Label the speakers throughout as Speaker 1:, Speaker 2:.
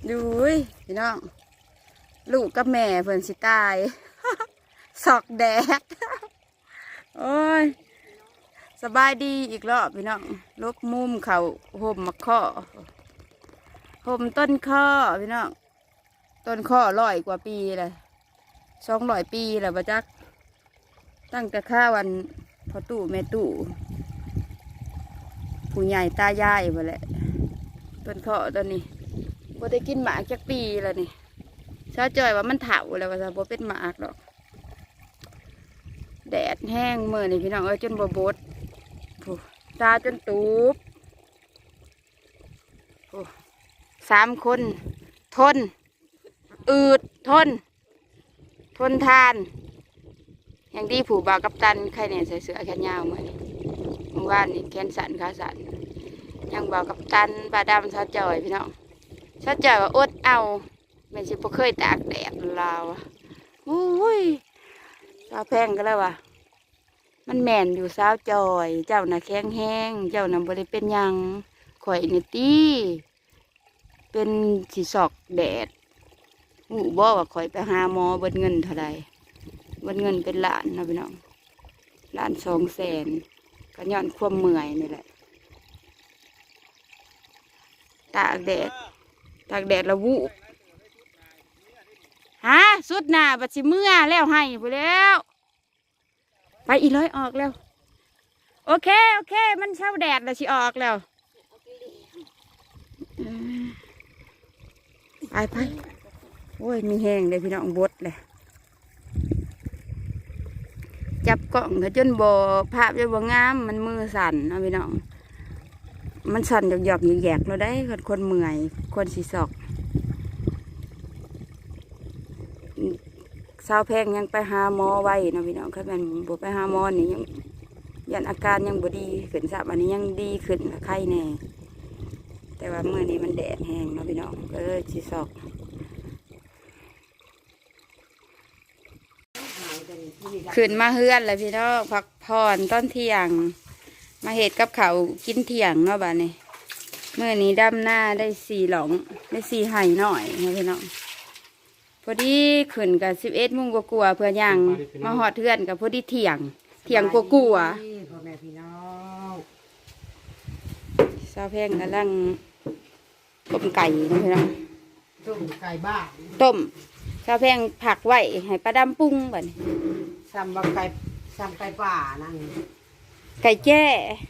Speaker 1: ดูพี่น้องลูกกับแม่เพิ่นสิตายสอกแดดโอ้ยสบายดีอีกรอบพี่น้องลบมุมเขาห่มมะข้อห่มต้นข้อพี่น้องต้นข้อ100 กว่าปีเลย200 ปีแล้วบ่จักตั้งแต่ข้าวันพ่อตู่แม่ตู่ผู้ใหญ่ตายายไปแหละต้นข้อต้นนี้บ่ได้กินหมากจักปีแล้วนี่ชาวจอยว่ามันเถาแล้วว่าจะบ่เป็นหมากหรอกแดดแห้งเมื่อนี่พี่น้องจนบ่บดตาจนตูบ3 คนทนอืดทนทานอย่างดีผู้บ่าวกัปตันใครเนี่ยใส่เสื้อแขนยาวเหมือนเมื่อวานนี่แขนสั้นขาสั้นยังบ่าวกัปตันบาดำชาวจอยพี่น้องชาวจอยว่าอดเอาแม่ชิบ่เคยตากแดดลาวอุ้ยสาวแพงก็แล้วว่ะมันแม่นอยู่สาวจอยเจ้าน่ะแข็งแห้งเจ้าน่ะบ่ได้เป็นหยังข่อยนี่ตีเป็นสิสอกแดดบ่ว่าข่อยไปหาหมอเบิดเงินเท่าใดเบิดเงินเป็นล้านนะพี่น้องล้าน200,000ก็ย้อนความเมื่อยนี่แหละตากแดดละวูบฮะสุดหน้าบัดสิเมื่อแล้วให้ไปแล้วไปอีร้อยออกแล้วโอเคมันเช้าแดดแล้วสิออกแล้วไปโอ้ยมีแห้งเลยพี่น้องบดเลยจับกล่องก็จนบ่ภาพจนบ่งามมันมือสั่นนะพี่น้องมันสั่นหยอกๆแยกๆเราได้คนเมื่อยคนสีสอกสาวแพงยังไปหาหมอไว้นะพี่น้องครับมันบ่ไปหาหมอนี่ยังยันอาการยังบ่ดีขึ้นอันนี้ยังดีขึ้นไข้แน่แต่ว่าเมื่อนี้มันแดดแห้งนะพี่น้องก็เลยสีสอกขึ้นมาเฮือนเลยพี่น้องพักผ่อนตอนเที่ยงมาเห็ดกับเขากินเที่ยงเนาะบ้านนี้เมื่อนี้ดำหน้าได้4 หลงได้4 ไห่หน่อยนะพี่น้องพอดีขึ้นกับ11 โมงกว่าเพื่อย่างมาหอดเทือนกับพอดีเที่ยงกว่าพ่อแม่พี่น้องสาวแพงกำลังต้มไก่นะพี่น้อง
Speaker 2: ต้มไก่บ้า
Speaker 1: ต้มสาวแพงผักไว้ให้ปลาดำปรุงบ้าน
Speaker 2: ซ้ำไก่ป่านั่น
Speaker 1: ไก่แจ้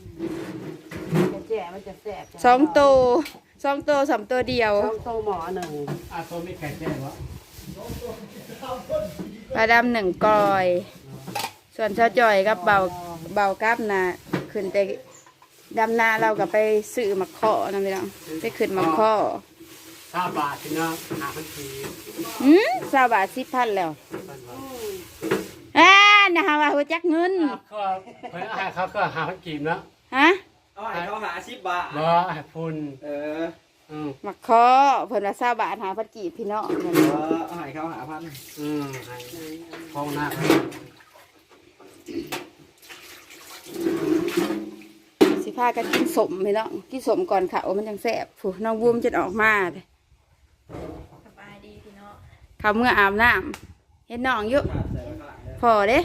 Speaker 2: มันจะแซ่บ
Speaker 1: 2 ตัว3 ตัวเดียว
Speaker 2: 2 ตัวหมอ1
Speaker 3: ตัวมีไก่แจ้วะ
Speaker 1: ปลาดำ1 กอยส่วนชาวจอยกับเบากับนะขึ้นแต่ดำนาเราก็ไปซื้อมะข้อนะพี่น้องไปขึ้นมะข้อ
Speaker 3: 20 บาทพี่น้อง5,000 ปี
Speaker 1: 20 บาท10,000แล้วนะคะว่าหัวจักเงิน
Speaker 3: เขาก็5,000 กีบนะ
Speaker 1: ฮะ
Speaker 2: ให้เขาหา10 บาท
Speaker 3: บ่ให้พุ่น
Speaker 1: มะข้อเพิ่นว่า20 บาท5,000 กีบพี่น้อง
Speaker 2: ให้เขาหา1,000
Speaker 3: ให้ห้องหน้า
Speaker 1: สิพากันกินสมพี่น้องกินสมก่อนเขามันยังแซ่บผู้น้องบูมจะออกมาเลยสบายดีพี่น้องเขาเมื่ออาบน้ำเห็นน้องอยู่พอเด้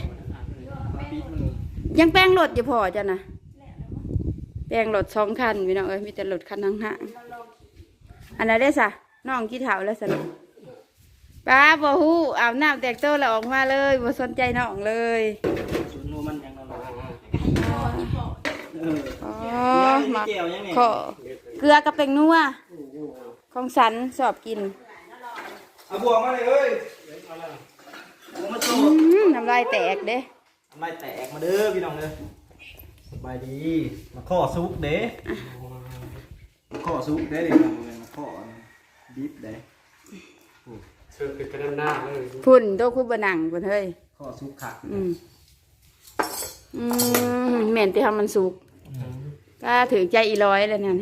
Speaker 1: ยังแป้งรถอยู่พอจ้ะนะแป้งรถ2 คันพี่น้องมีแต่รถคันห่างๆอันนั้นได้สะน้องกี่เท่าแล้วสนุกป้าบ่ฮู้อาบน้ำแตกโตแล้วออกมาเลยบ่สนใจน้องเลย
Speaker 2: มันยัง
Speaker 1: มาขอเกลือกับแป้งนัวของสันสอบกิน
Speaker 2: เอาบวงมาเลยเอ้ย
Speaker 1: น้ำลายแตกเด้
Speaker 2: น้ำลายแตกมาเด้อพี่น้องเด้อสบายดีมาข้อซุปเด้มาข้อซุปเด้เดี๋ยวมาข้อดิบเด้
Speaker 3: เชื่อเป็นกระดานหน้าเลย
Speaker 1: พุ่นโตคุบหนังพุ่นเฮ้ย
Speaker 2: ข้อซุปขาด
Speaker 1: เหม็นที่ทำมันสุกก็ถือใจอีร้อยเลยเนี่ย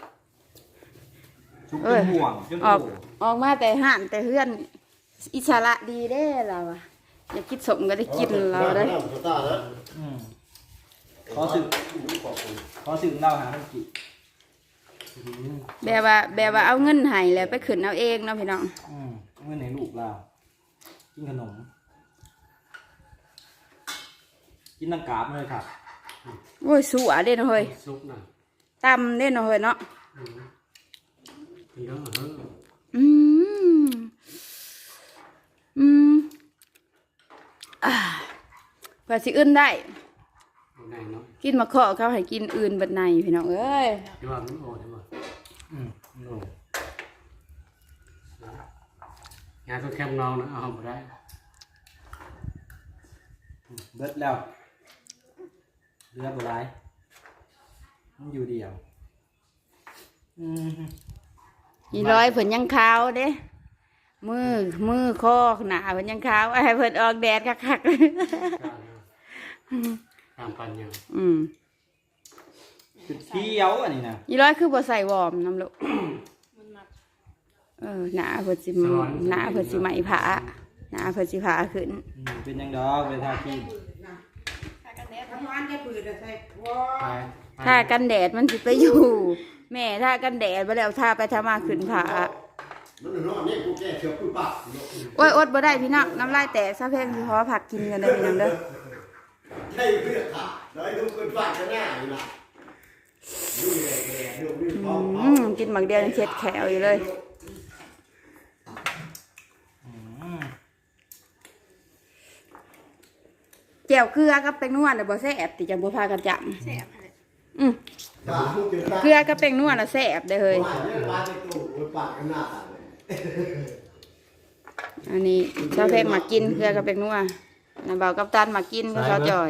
Speaker 2: ซุปเป็นห่วง
Speaker 1: ออกมาแต่ห่านแต่เพื่อนอิสระดีได้เราอะอยากกินสมก็ได้กินเราได้
Speaker 2: ขอสึกเล่าหาท่านกิ
Speaker 1: แบบว่าเอาเงินให้แล้วไปขึ้นเอาเองเนาะพี่น้อง
Speaker 2: เมื่อไหนลูกเรากินขนมกินน้ำกาบเลยครับ
Speaker 1: โอ้ยสัวเด้เนาะเฮ้ย
Speaker 3: ซุปน่ะ
Speaker 1: ตำเด้เนาะเฮ้ยเนาะ
Speaker 3: เยอะเหรอ
Speaker 1: อืมอืมเพื่อสิอื่นได้
Speaker 3: ไหนเนาะ
Speaker 1: กินมะขอเขาให้กินอื่นบัดในพี่น้องเอ้ย
Speaker 3: ที่ว่ามันโอ้ที่ว่าโอ้งานก็แคมน้องนะเอาไปได้
Speaker 2: เบิดแล้วเรือโบราณมันอยู่เดียว
Speaker 1: อีร้อยเพิ่นยังขาวเด้มือคอหน้าเพิ่นยังขาวให้เพิ่นออกแดดคักๆ
Speaker 3: ตามปันยัง
Speaker 2: จุดเที่ยวอันนี้นะ
Speaker 1: อีร้อยคือบ่ใส่วอร์มน้ำลูกหน้าเพิ่นสิไหมผาหน้าเพิ่นสิผาขึ้น
Speaker 2: เป็นยังดอกเวลาที่
Speaker 1: ถ้ากันแดดมันสิไปอยู่ แม่ถ้ากันแดดไปแล้วถ้าไปทำมาขึ้นผาโอ้ยอดบ่ได้พี่น้องน้ำลายแตกซะเพลงสิขอผักกินกันได้พี่น้องเด้อ
Speaker 4: ใช่เพื่อค่ะน้อยดูคนฝากกันหน้าอยู่นะดูแหล่ดูดูพร้อม
Speaker 1: กินหมักเดียวยังเช็ดแขวอยู่เลยแจ่วเกลือกับแป้งนวดน่ะบ่แซ่บติจังบ่พากันจำแซ่บเกลือกับแป้งนวดน่ะแซ่บเด้อเฮ้ย
Speaker 4: ปลาในตู้คนฝากกันหน้า
Speaker 1: อันนี้ชาวเพกมากินเกลือกับแป้งนวดน่ะเบากับตันมากินก็ชาวจอย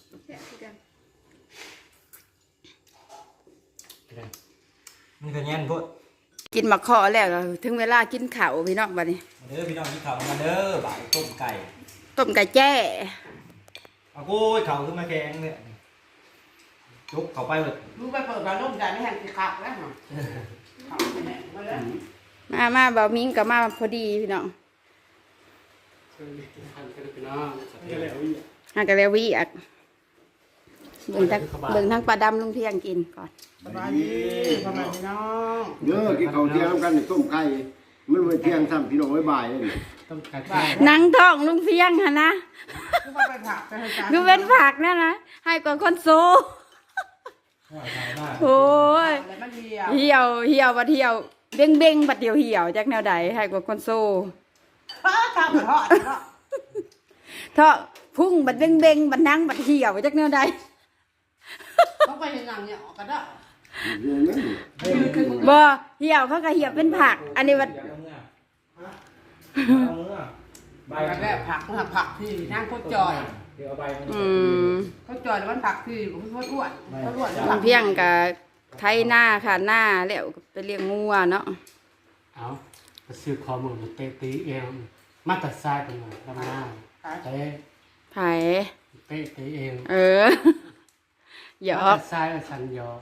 Speaker 2: มันก็แย่นพุทธ
Speaker 1: กินหมักขอแล้วก็ถึงเวลากินข้าวพี่น้องบัดนี้
Speaker 2: มาเด้อพี่น้องที่เขามาเด้อบ่ายต้มไก่
Speaker 1: ต้มไก่แจ้
Speaker 2: เอาโก้ยเขาขึ้นมาแกงเนี่ยจุกเขาไปหมด
Speaker 5: ลูกไปเปิดร้านลูกได้ไม่หันสิขับแล้วเหรอขับไปไหนมาแล้ว
Speaker 1: มาเบามิ้งกับมาพอดีพี่น้อง
Speaker 3: ทันกันไปน้อง
Speaker 1: หากะแล้ววิอ่ะเบิ่งทั้งปลาดำลุงเพียงกินก่อน
Speaker 5: สบายดีสบายดีน้อง
Speaker 4: เด้อกินข้าวเที่ยงกันในต้มไก่มันไว้เที่ยงซ้ำพี่น้องไว้บ่ายเลย
Speaker 3: ต้องการ
Speaker 1: หนังท้องลุงเพียงฮะนะ
Speaker 5: ลูกไปผักไปให้จาน
Speaker 1: คือเป็นผักนั่นนะให้กว่าคนโซโอ้ย
Speaker 5: อะไรมันเดียว
Speaker 1: เหี่ยวบัดเหี่ยวเบ้งเบ้งบัดเดียวเหี่ยวจากแนวใดให้กว่าคนโซ
Speaker 5: ข้าวทอดเนาะ
Speaker 1: เถาะพุ่งบัดเบ้งเบ้งบัดนั่งบัดเหี่ยวจากแนวใด
Speaker 5: ต้องไปเห็นหนังเนี่ยออกกันได้
Speaker 4: เรื่องนั้น
Speaker 1: บ่เหี่ยวเขาก็เหี่ยวเป็นผัก อันนี้บัด
Speaker 5: ไปกันแล้วผักที่นั่งโคตรจอย
Speaker 2: เดี๋ยวเอาใบมัน
Speaker 5: โคตรจอยมันผักที่ผมโคตรอ้วนโคตรอ้วน
Speaker 1: ลุงเพียงกับไทยหน้าค่ะหน้าแล้วก็ไปเลี้ยงงัวเนาะ
Speaker 3: เอาไปซื้อข้อมูลมาเตะตีเองมาตัดทรายเป็นไงดำหน้าเตะ
Speaker 1: ไผ่
Speaker 3: เตะตีเอง
Speaker 1: หยอ
Speaker 3: ตั
Speaker 1: ก
Speaker 3: ดทรายสันยอ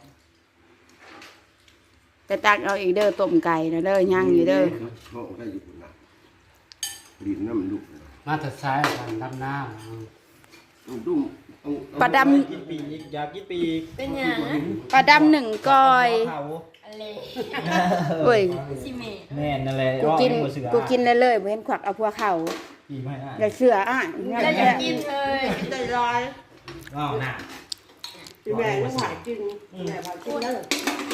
Speaker 1: แต่ตักเอาอีกเด้อต้มไก่นะเด้อย่างอยู่เด้อ
Speaker 4: เขาใครอยู่นะดินน้ำมันดุ
Speaker 3: มาตัดทรายสันดำหน้า
Speaker 4: ดุ้ง
Speaker 1: ปลาด
Speaker 2: กินปีกอยากกินปีก
Speaker 6: เป็นหยัง
Speaker 1: ำปลาดำหนึ่งก้อย
Speaker 2: เขา
Speaker 6: อะไร
Speaker 1: เว้ย
Speaker 6: ชิเมะ
Speaker 2: แม่นนั่นแหละ
Speaker 1: กูกินเลยบ่เห็นขวักเอาพัวเข่า
Speaker 2: ปีไม่ได้
Speaker 1: อย่าเสืออ่ะ
Speaker 6: แล้วจะกินเลย
Speaker 5: ใจลอย
Speaker 2: อ้าวน่ะ
Speaker 5: แม่ต้องหายกินแม่พากินเลย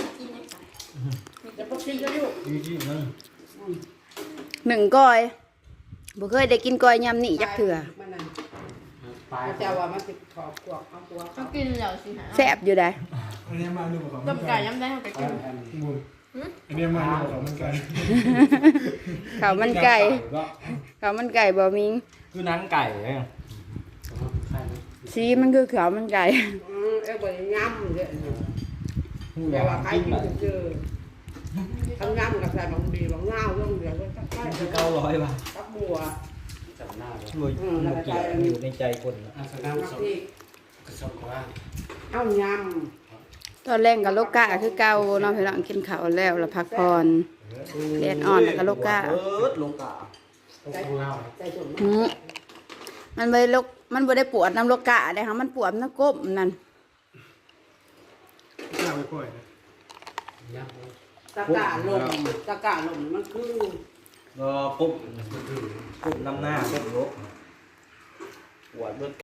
Speaker 5: จะพกกินก็อยู่
Speaker 2: ยืดๆมึง
Speaker 1: หนึ่งก้อยบ่เคยได้กินก้อยยำนี่จักเถื่อ
Speaker 5: มันนั่น
Speaker 3: ปลาย
Speaker 5: แต่ว่ามันติดขอบกวกเอาตัว
Speaker 6: ต้องกินแล้วสิฮะ
Speaker 1: แซ่บอยู่ได้
Speaker 6: ต้มไก่ย้ำได้เขาไปกิน
Speaker 3: อันนี้มาของมันกัน
Speaker 1: ข้าวมันไก่ข้าวมันไก่บ่มิง
Speaker 2: คือหนังไก่เลย
Speaker 1: สีมันคือข้าวมันไก่
Speaker 5: เอ้ยบ่ย้ำเลยแต่ว่าใครกินเจอทำย้ำกับใส่บางดีบางเงาเรื่องเดียวก็ตักไป
Speaker 2: คือ900 บาท
Speaker 5: ตักบัว
Speaker 3: จับหน้าเลย
Speaker 2: รวยเกี่ยวอยู่ในใจคน
Speaker 3: อาสนะ
Speaker 5: ตัก
Speaker 3: สม
Speaker 5: ที่
Speaker 3: กระสอบว่า
Speaker 5: เอาย้
Speaker 1: ตอนแรกกับโลกาคือเก่าเนาะพี่น้องกินข้าวแล้วแล้วพักผ่อนแดดอ่อนแล้วก็โลกา
Speaker 2: โลกา
Speaker 3: ต้องของเรา
Speaker 5: ำใจสม
Speaker 1: มันบ่ได้ลกมันบ่ได้ปวดน้ำโลกาได้ค่ะมันปวดน้ำก้มนั่น
Speaker 3: ข้าวไปก่อยนะยับ
Speaker 5: ตะกาลมมันคือ
Speaker 2: ก็ปุ๊บ
Speaker 3: มันคือ
Speaker 2: ปุ๊บน้ำหน้าปุ๊บลบปวดเบิด